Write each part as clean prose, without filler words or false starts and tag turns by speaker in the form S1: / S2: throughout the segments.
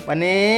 S1: วันนี้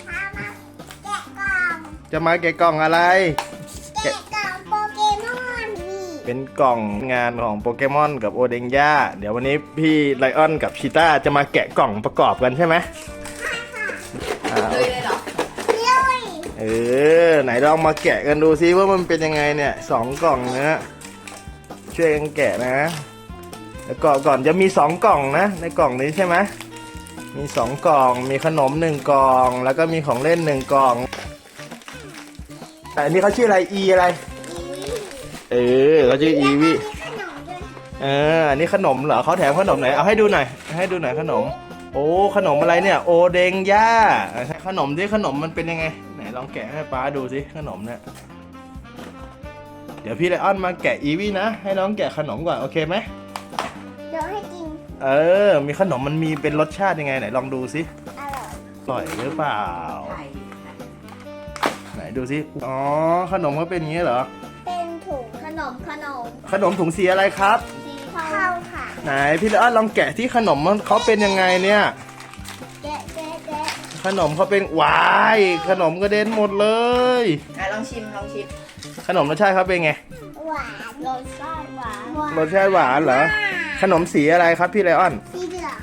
S2: พามาแกะกล่อง
S1: จะมาแกะกล่องอะไร
S2: แกะกล่องโปเกมอนนี่
S1: เป็นกล่องงานของโปเกมอนกับโอเดงย่าเดี๋ยววันนี้พี่ไลออนกับชีต้าจะมาแกะกล่องประกอบกันใช่ไหมอ่า
S3: เลยเลยเหรอ
S2: เลย
S1: ไหนลองมาแกะกันดูซิว่ามันเป็นยังไงเนี่ย2 กล่องนะช่วยกันแกะนะแล้วก่อนจะมี2 กล่องนะในกล่องนี้ใช่ไหมมี2 กล่องมีขนม1 กล่องแล้วก็มีของเล่น1 กล่องแต่อันนี้เขาชื่ออะไรอะไรเขาชื่ออีวี
S2: มีขนมด้วย
S1: อันนี้ขนมเหรอเขาแถมขนมไหนเอาให้ดูหน่อยขนมโอ้ขนมอะไรเนี่ยโอเดงย่าขนมที่ขนมมันเป็นยังไงไหนลองแกะให้ป้าดูสิขนมเนี่ยเดี๋ยวพี่ไลออนมาแกะอีวีนะให้น้องแกะขนมก่อนโอเคไหม
S2: เดี๋ยวให้กิน
S1: มีขนมมันมีเป็นรสชาติยังไงไหนลองดูสิ
S2: อร่อย
S1: อร่อยหรือเปล่า
S3: ไข่
S1: ไหนดูสิอ๋อขนมเขาเป็นอย่างนี้เหรอ
S2: เป็นถุง
S3: ขนม
S1: ขนมถุงสีอะไรครับ
S3: สี
S2: เข้าค่ะ
S1: ไหนพี่ไลออนลองแกะที่ขนมเขาเป็นยังไงเนี่ย
S2: แกะ
S1: ขนมเขาเป็นวายขนมกระเด็นหมดเลย
S3: ลองชิม
S1: ขนมรสชาติเขาเป็นไง
S2: หวานรสชาติหวาน
S1: รสชาติหวานเหรอขนมสีอะไรครับพี่ไลออน
S2: สีเหลือง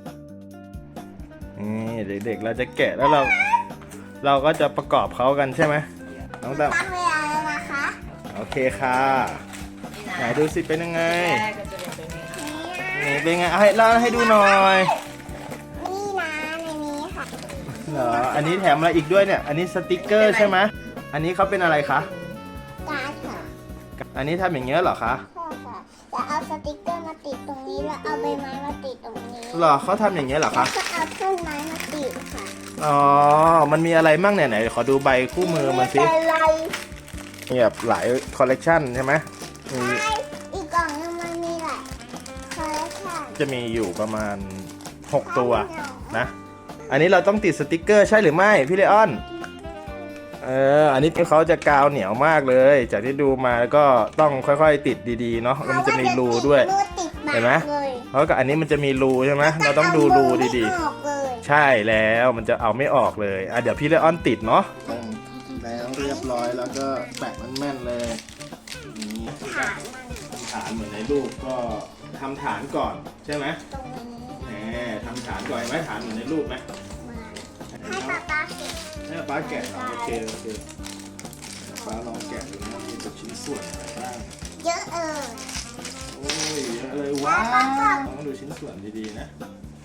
S1: นี่เด็กๆเราจะแกะแล้วเราก็จะประกอบเขากันใช่ไหมน้องตั้ม
S2: ตั้งเวลาแล้วนะคะ
S1: โอเคค่ะไหนดูสิเป็นยังไง
S3: แรกก็จะเป็นแบบนี้
S1: นี่เป็นไงเอาให้เล่าให้ดูหน่อย
S2: นี่นะในนี้ค่ะ
S1: เหรออันนี้แถมอะไรอีกด้วยเนี่ยอันนี้สติกเกอร์ใช่ไหมอันนี้เขาเป็นอะไรคะ
S2: การ์ดค่ะ
S1: อันนี้ทำอย่างเงี้ยเหรอคะ
S2: ใช่ค่ะจะเอาสติกเกอร์มาติดตรงนี้แล้วเอาใบไม้มาติดตรงนี้
S1: เหรอเขาทำอย่างเงี้ยเหรอ
S2: แล้
S1: คะ
S2: วก็เอาต้นไม้มาติดค่ะ
S1: อ๋อมันมีอะไรมั่งเนี่ยไหนขอดูใบคู่มือมันสิ
S2: อะไร
S1: มีแบบหลายคอลเลกชันใช่ไหมมี
S2: ใช่อีกกล่องนึงมันมีหลายคอลเลคชัน
S1: จะมีอยู่ประมาณ6 ตัวนะอันนี้เราต้องติดสติกเกอร์ใช่หรือไม่พี่เลออนอันนี้เขาจะกาวเหนียวมากเลย จากที่ดูมาก็ต้องค่อยๆติดดีๆเนาะแล้วมันจะมีรูด้วย เห็นไหม เพราะกับอันนี้มันจะมีรูใช่ไหมเราต้องดูรูดีๆใช่แล้วมันจะเอาไม่ออกเลยเดี๋ยวพี่เลออนติดเนาะแล้วเรียบร้อยแล้วก็แปะมันแม่นเลยนี่
S2: ฐานมัน
S1: ฐานเหมือนในรูปก็ทำฐานก่อนใช่ไหม
S2: ตรงนี้
S1: แหมทำฐานก่อนไหมฐานเหมือนในรูปไหม
S2: ให้ป๊าป๊าเก็บ
S1: ให้ป้าแกะโอเคป้าลองแกะดูนะมีตัวชิ้นส่วนอะไรบ้าง
S2: เยอะ
S1: โอ้ยเยอะเลยว้าวต้องดูชิ้นส่วนดีๆนะ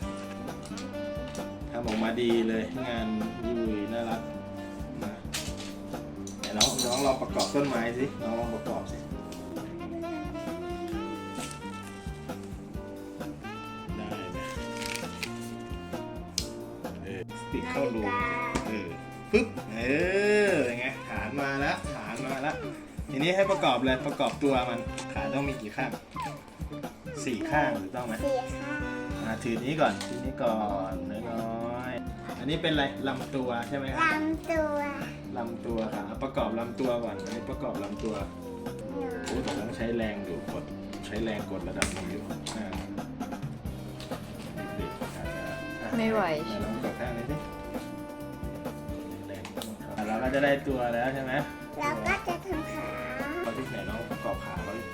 S1: ทำออกมาดีเลยงานยุยน่ารักนะไหนน้องลองประกอบต้นไม้สิน้องลองประกอบสิได้ไหมติดเข้ารูปึ๊บยังไงฐานมาแล้วทีนี้ให้ประกอบเลยประกอบตัวมันขาต้องมีกี่ข้าง4 ข้างถูกต้องไหม
S2: สีค่ะ
S1: ถือนี้ก่อนน้อยๆอันนี้เป็นอะไรลำตัวใช่ไหมครับ
S2: ลำตัว
S1: ค่ะประกอบลำตัวก่อนอันนี้ประกอบลำตัวโอ้แต่ต้องใช้แรงอยู่ใช้แรงกดระดับหนึงอยู่เด็กๆอาจจะ
S3: ไม่ไหว
S1: ลองกดข้างนี้สิแรงเราก็จะได้ตัวแล้วใช่ไหม
S2: แล้วก็จะทำขา
S1: เราที่ไหนน้องประกอบขาเขาดิ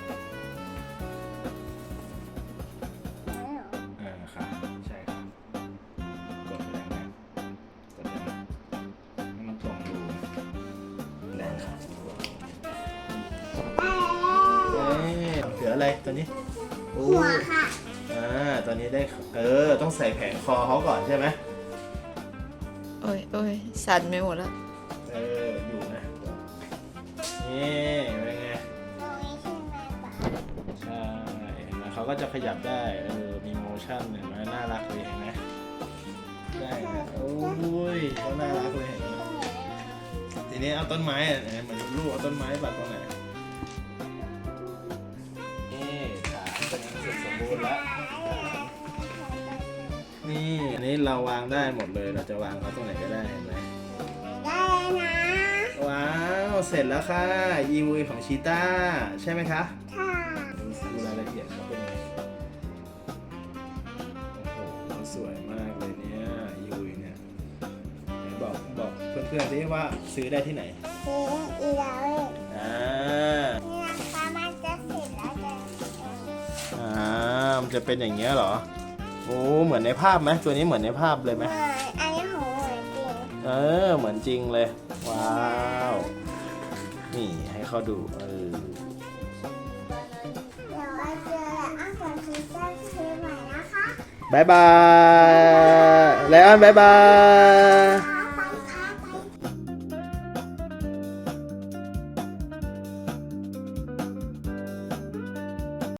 S1: ครับใช่ครับกดแรงนะกดแรงให้มันตรงรูแรงครับเหลืออะไรตัวนี้
S2: หัวค่ะ
S1: ตอนนี้ได้ต้องใส่แผงคอเขาก่อนใช่ไหม
S3: โอ้ยสั่นไม่หมดแล้ว
S1: อยู่นะนี่เป็นไง
S2: ตรงนี้ใช่ไหมป๊า
S1: ใช่เห็นไหมเขาก็จะขยับได้มีโมชั่นเห็นไหมน่ารักเลยเห็นไหมได้นะโอ้ยเขาน่ารักเลยเห็นไหมทีนี้เอาต้นไม้เหมือนลูกเอาต้นไม้ปักตรงไหนนี่ขาเสร็จสมบูรณ์แล้วนี่อันนี้เราวางได้หมดเลยเราจะวางเขาตรงไหนก็ได้เห็นไหม
S2: ได้นะ
S1: ว้าวเสร็จแล้วค่ะยีวีของชีต้าใช่ไหมคะ
S2: ค่ะ
S1: ดูรายละเอียดเขาเป็นไงโอ้โหสวยมากเลยเนี่ยยีวีเนี่ยเพื่อนๆดิว่าซื้อได้ที่ไหน
S2: ซื้ออีแล้วเลย
S1: อ่า
S2: นี่นะคะมันจะเสร็จแล้วจะ
S1: มันจะเป็นอย่างเงี้ยเหรอโอ้เหมือนในภาพไหมตัวนี้เหมือนในภาพเลยไหม
S2: อันนี้ของเหมือนจริง
S1: เหมือนจริงเลยว้าวนี่ให้เขาดู
S2: เดี๋ยวเราเจอแล้วอ่ะก่อนซื้อจะซื้อใหม่นะคะ
S1: บายบายไลออนบายบาย